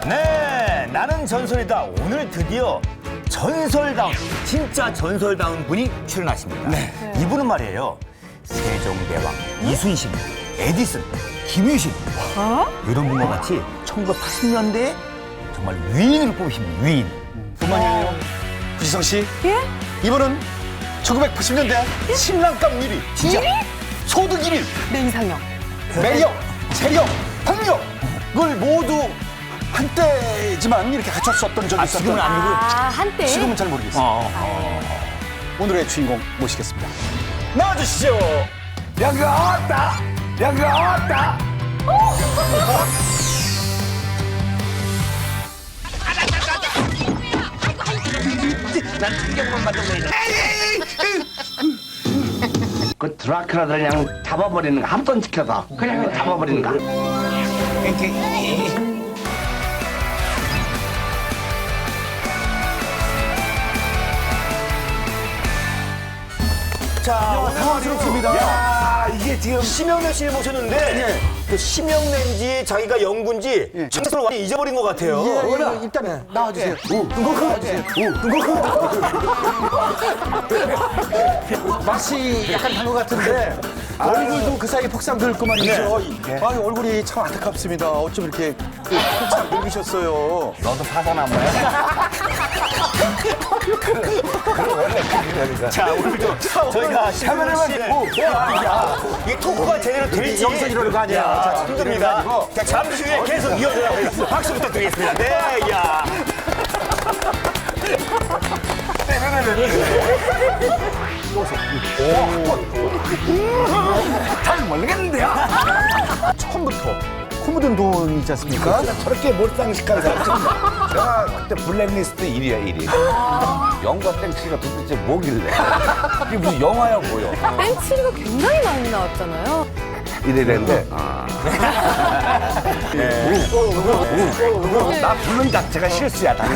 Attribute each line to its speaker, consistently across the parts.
Speaker 1: 네, 나는 전설이다. 오늘 드디어 전설다운, 진짜 전설다운 분이 출연하십니다.
Speaker 2: 네.
Speaker 1: 이분은 말이에요. 세종대왕, 이순신, 에디슨, 김유신 이런 분과 같이 1980년대에 정말 위인을 뽑으십니다. 위인. 뿐만 아니라
Speaker 2: 구지성 씨,
Speaker 3: 예?
Speaker 2: 이분은 1980년대 신랑감 1위,
Speaker 1: 진짜
Speaker 2: 소득 1위,
Speaker 3: 내 이상형.
Speaker 2: 매력, 체력, 폭력을 모두 한때지만 이렇게 갖췄었던 적이 있었던.
Speaker 1: 지금은 아니고.
Speaker 3: 한때.
Speaker 2: 지금은 잘 모르겠어요. 오늘의 주인공 모시겠습니다. 나와주시죠. 양가 왔다. 양가 왔다.
Speaker 4: 그 드라큘라를 그냥 잡아버리는 거, 한 번 지켜서 그냥 잡아버리는 거.
Speaker 1: 자, 오늘
Speaker 2: 당황스럽습니다.
Speaker 1: 야, 이게 지금 심영래 씨를 모셨는데 그 심영래인지 자기가 영구인지 청소를 완전히 잊어버린 것 같아요.
Speaker 2: 일단 나와주세요. 맛이 약간 단 것 같은데 얼굴도 그 사이에 폭삭 늙고 말이죠. 아니, 얼굴이 참 안타깝습니다. 어쩜 이렇게 폭삭 늙으셨어요.
Speaker 4: 너도 파산나무야?
Speaker 1: 자, 오늘도 저희가 심영래 씨 이게 토크가 제대로 될지
Speaker 2: 영상 이러는 거 아니야.
Speaker 1: 자, 힘듭니다. 자, 잠시 후에 계속 이어져요. 박수 부탁드리겠습니다. 네, 야.
Speaker 4: 잘 모르겠는데요?
Speaker 2: 처음부터 코 묻은 돈이지 않습니까?
Speaker 4: 저렇게 몰상식하는 사람 처음 봐. 내가 그때 블랙리스트 1위야, 1위. 영과 땡치가 도대체 뭐길래? 이게 무슨 영화야, 뭐야?
Speaker 3: 땡치리가 굉장히 많이 나왔잖아요.
Speaker 4: 이래랬는데. 나 부른 자체가 실수야, 당연히.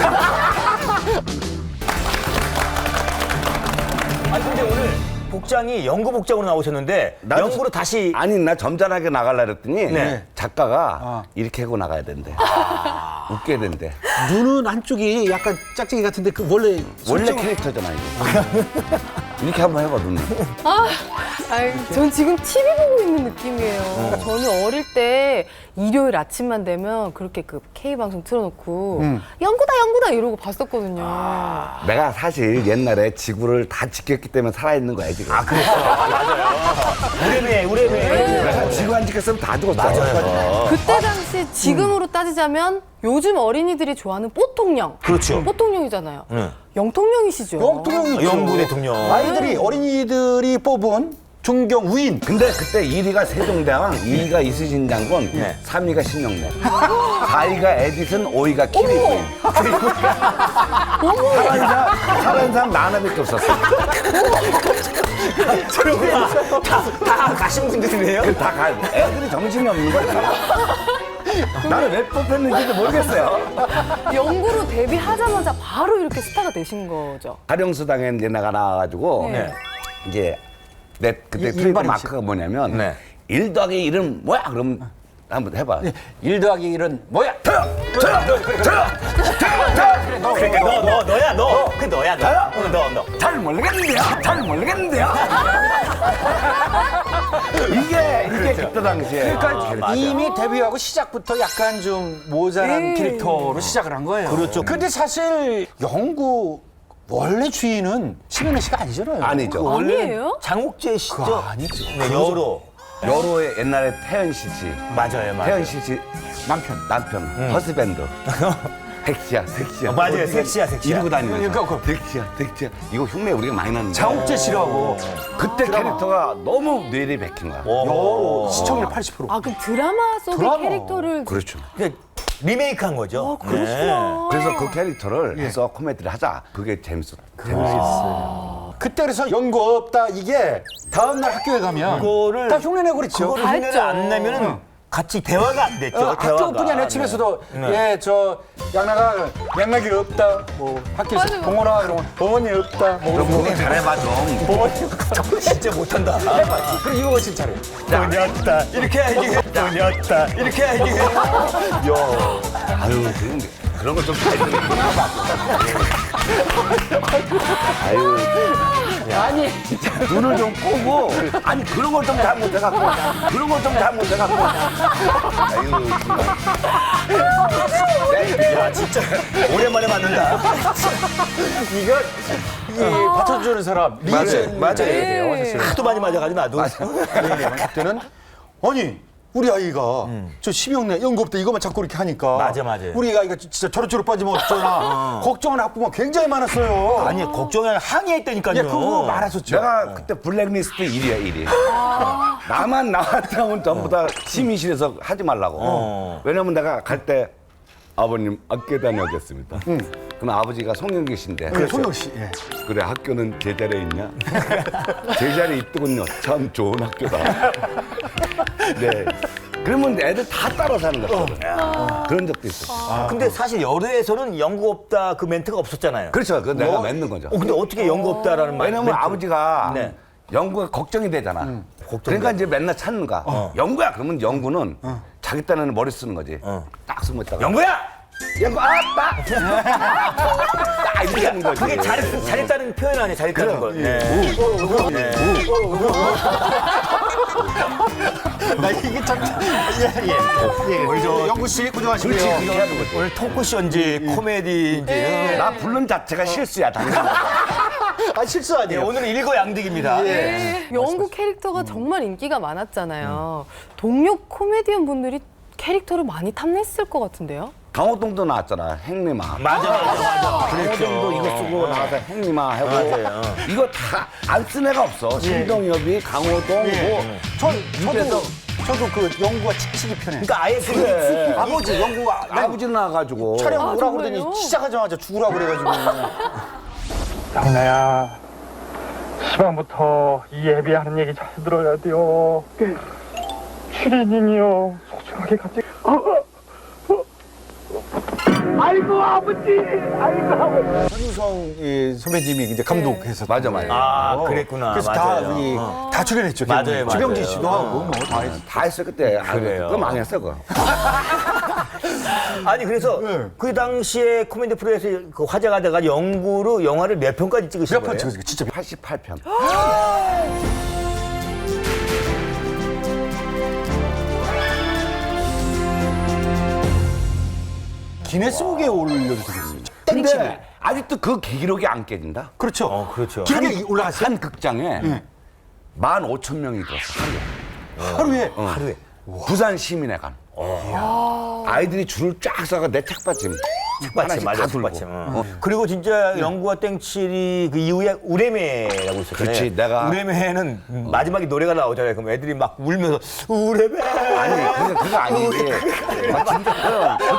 Speaker 1: 아니, 근데 오늘 복장이 연구 복장으로 나오셨는데 연구로 다시
Speaker 4: 아니, 나 점잖하게 나가려 그랬더니
Speaker 1: 네.
Speaker 4: 작가가 이렇게 하고 나가야 된대. 웃겨야 된대.
Speaker 2: 눈은 한쪽이 약간 짝짝이 같은데 그 원래
Speaker 4: 캐릭터잖아, 이거. 이렇게 한번 해봐, 눈.
Speaker 3: 전 지금 TV 보고 있는 느낌이에요. 그러니까 저는 어릴 때 일요일 아침만 되면 그렇게 그 K방송 틀어놓고 연구다 이러고 봤었거든요.
Speaker 4: 내가 사실 옛날에 지구를 다 지켰기 때문에 살아있는 거야, 지금. 아, 그래?
Speaker 1: 우레메.
Speaker 4: 내가 지구 안 지켰으면 다 죽었어. 맞아요.
Speaker 3: 그때 당시 지금으로 따지자면 요즘 어린이들이 좋아하는 뽀통령.
Speaker 1: 그렇죠.
Speaker 3: 뽀통령이잖아요. 영통령이시죠.
Speaker 2: 영통령이죠.
Speaker 1: 영구 대통령.
Speaker 2: 아이들이 어린이들이 뽑은 존경 우인.
Speaker 4: 근데 그때 1위가 세종대왕, 2위가 이순신 장군, 3위가 신영래, 4위가 에디슨, 5위가 키리부인. 살아있는 사람 나 하나밖에 없었어.
Speaker 1: 다 가신 분들이네요.
Speaker 4: 다 가. 애들이 정신이 없는 거야. 나는 왜 뽑혔는지도 모르겠어요.
Speaker 3: 영구로 데뷔하자마자 바로 이렇게 스타가 되신 거죠.
Speaker 4: 가령수당에 이제 내가 나와가지고
Speaker 3: 네.
Speaker 4: 이제 내 그때 트레이드
Speaker 2: 일반인
Speaker 4: 마크가 뭐냐면
Speaker 1: 네.
Speaker 4: 1 더하기 1은 뭐야? 그럼 한번 해봐.
Speaker 2: 1 더하기 1은 뭐야?
Speaker 1: 그러니까 너야 너. 그 너야 너.
Speaker 4: 잘 모르겠는데요? 잘 모르겠는데요? 이게 그때 당시에.
Speaker 2: 그러니까 이미 데뷔하고 시작부터 약간 좀 모자란 캐릭터로 시작을 한 거예요.
Speaker 1: 그렇죠.
Speaker 2: 근데 사실 영구 원래 주인은 심현래 씨가 아니잖아요.
Speaker 4: 아니죠.
Speaker 3: 아니에요?
Speaker 1: 장옥재 씨죠?
Speaker 2: 그거 아니죠.
Speaker 1: 네, 여로.
Speaker 4: 여로의 옛날에 태연 씨지.
Speaker 1: 맞아요.
Speaker 4: 태연 씨지. 남편. 허스밴드. 섹시야.
Speaker 1: 맞아요. 섹시야.
Speaker 4: 이러고 다니면서.
Speaker 2: 그러니까
Speaker 4: 섹시야. 이거 흉내 우리가 많이 났는데.
Speaker 2: 장옥재 씨라고
Speaker 4: 그때 캐릭터가 너무 뇌리 박힌 거야.
Speaker 2: 여로 시청률 80%.
Speaker 3: 아, 그럼 드라마 속의
Speaker 2: 드라마.
Speaker 3: 캐릭터를
Speaker 4: 그렇죠.
Speaker 1: 리메이크한 거죠.
Speaker 3: 그렇구나.
Speaker 4: 그래서 그 캐릭터를 해서 코미디를 하자. 그게 재밌었어요.
Speaker 2: 그때 그래서 연구 없다 이게 다음날 학교에 가면
Speaker 1: 그거를
Speaker 2: 다 흉내내고 그랬죠.
Speaker 1: 그거를 흉내를 안 내면은 같이 대화가 안 됐죠.
Speaker 2: 학교뿐이 아니라 집에서도 예, 저 양나가 양락이 없다. 뭐 학교에서
Speaker 3: 맞아.
Speaker 2: 동원아 이러면 어머니 없다. 뭐
Speaker 4: 그거 잘해봐 좀.
Speaker 2: 어머니
Speaker 1: 진짜 못한다.
Speaker 2: 그럼 이거 진짜 잘해.
Speaker 1: 돈이었다. 이렇게 해야지. 돈이었다. 이렇게 해야지.
Speaker 4: 아유 그런 거 좀 잘 들어. 아유
Speaker 2: 아니
Speaker 4: 눈을 좀 꼬고 아니 그런 걸 좀 잘못해갖고 그런 걸 좀 잘못해갖고 아유 정말.
Speaker 1: 야, 진짜 오랜만에 만난다.
Speaker 2: 이거 이 받쳐주는 사람 리액션
Speaker 1: 맞아요.
Speaker 2: 돼요. 사실.
Speaker 1: 하도 많이 맞아가지고 나도.
Speaker 2: 그때는 아니 우리 아이가 저 심형래 연구업대 이것만 자꾸 이렇게 하니까
Speaker 1: 맞아.
Speaker 2: 우리 아이가 진짜 저렇저렇 빠지면 어쩌나 걱정하는 학부모 굉장히 많았어요.
Speaker 1: 아니, 걱정이 아니라 항의했다니까요.
Speaker 2: 예, 그거 많았었죠.
Speaker 4: 내가 그때 블랙리스트 1위야 1위. 나만 나왔다면 전부 다 심의실에서 하지 말라고. 왜냐면 내가 갈 때 아버님 학교 다녀오겠습니다. 그럼 아버지가 송영기신데.
Speaker 2: 그래, 송영 씨. 예.
Speaker 4: 그래 학교는 제자리에 있냐? 제자리에 있더군요. 참 좋은 학교다. 네. 그러면 애들 다 따라 사는 거거든. 그런 적도 있어.
Speaker 1: 근데 사실 여대에서는 연구 없다 그 멘트가 없었잖아요.
Speaker 4: 그렇죠. 그건 내가 맺는 거죠.
Speaker 1: 근데 어떻게 연구 없다라는 말?
Speaker 4: 왜냐면 아버지가
Speaker 1: 네.
Speaker 4: 연구가 걱정이 되잖아. 그러니까 이제 맨날 찾는 거야. 연구야. 그러면 연구는 자기 딴에는 머리 쓰는 거지. 딱 숨어 있다가.
Speaker 1: 연구야!
Speaker 4: 연구 아빠. 딱 이렇게 하는 거지.
Speaker 1: 그게 잘했다는 표현 아니에요, 잘했다는 걸. 네.
Speaker 2: 나 이게 참 예. 우리 저 영구 씨 고정하시고요.
Speaker 4: 그렇지. 그렇게 하는 거지.
Speaker 1: 오늘 토크쇼인지 코미디인지.
Speaker 4: 나 부른 자체가 실수야. 당연히.
Speaker 2: 아 실수
Speaker 1: 네,
Speaker 2: 아니에요.
Speaker 1: 오늘은 일거양득입니다. 네.
Speaker 3: 영구 캐릭터가 정말 인기가 많았잖아요. 동료 코미디언 분들이 캐릭터를 많이 탐냈을 것 같은데요?
Speaker 4: 강호동도 나왔잖아. 행리마.
Speaker 1: 맞아.
Speaker 4: 강호동도 이거 쓰고 나와서 행리마 하고.
Speaker 1: 맞아요.
Speaker 4: 이거 다 안 쓴 애가 없어. 신동엽이, 강호동, 뭐.
Speaker 2: 저도 그 영구가 칙칙이 편해.
Speaker 1: 그러니까 아예 그
Speaker 2: 아버지 영구가
Speaker 4: 아버지 나와가지고.
Speaker 2: 촬영
Speaker 3: 아,
Speaker 2: 오라고
Speaker 3: 정말요?
Speaker 2: 그러더니 시작하자마자 죽으라고 그래가지고.
Speaker 5: 장나야, 시방부터 이 예비하는 얘기 잘 들어야 돼요. 추리닝이요, 소중하게 같이. 아이고 아버지, 아이고 아버지.
Speaker 2: 전유성 선배님이 이제 감독해서
Speaker 4: 맞아.
Speaker 1: 아, 그랬구나.
Speaker 2: 그래서
Speaker 1: 맞아요.
Speaker 2: 다 출연했죠.
Speaker 1: 맞아요.
Speaker 2: 주병진 씨도 하고 뭐다 했어.
Speaker 4: 다 했어, 그때.
Speaker 1: 그래요.
Speaker 4: 그거 망했어, 그거.
Speaker 1: 아니 그래서 그 당시에 코미디 프로에서 그 화제가 돼가 영구로 영화를 몇 편까지 찍으신
Speaker 2: 몇
Speaker 1: 거예요?
Speaker 2: 편 찍었어요? 진짜
Speaker 4: 88편.
Speaker 2: 기네스북에 올려도 되겠어요.
Speaker 4: 근데 아직도 그 기록이 안 깨진다?
Speaker 2: 그렇죠.
Speaker 1: 그렇죠.
Speaker 2: 기록에 올라갔어요?
Speaker 4: 한 극장에 15,000명이 들었어,
Speaker 2: 하루에.
Speaker 1: 하루에.
Speaker 4: 부산 시민회관. 아이들이 줄을 쫙 서가 내 책받침.
Speaker 1: 책받침, 맞아,
Speaker 4: 다 들고.
Speaker 1: 책받침. 그리고 진짜 영구와 땡칠이 그 이후에 우레메라고 있었잖아요.
Speaker 4: 그렇지, 내가-
Speaker 1: 우레메는 마지막에 노래가 나오잖아요. 그럼 애들이 막 울면서 우레메.
Speaker 4: 아니, 그거 아닌데. 막 진짜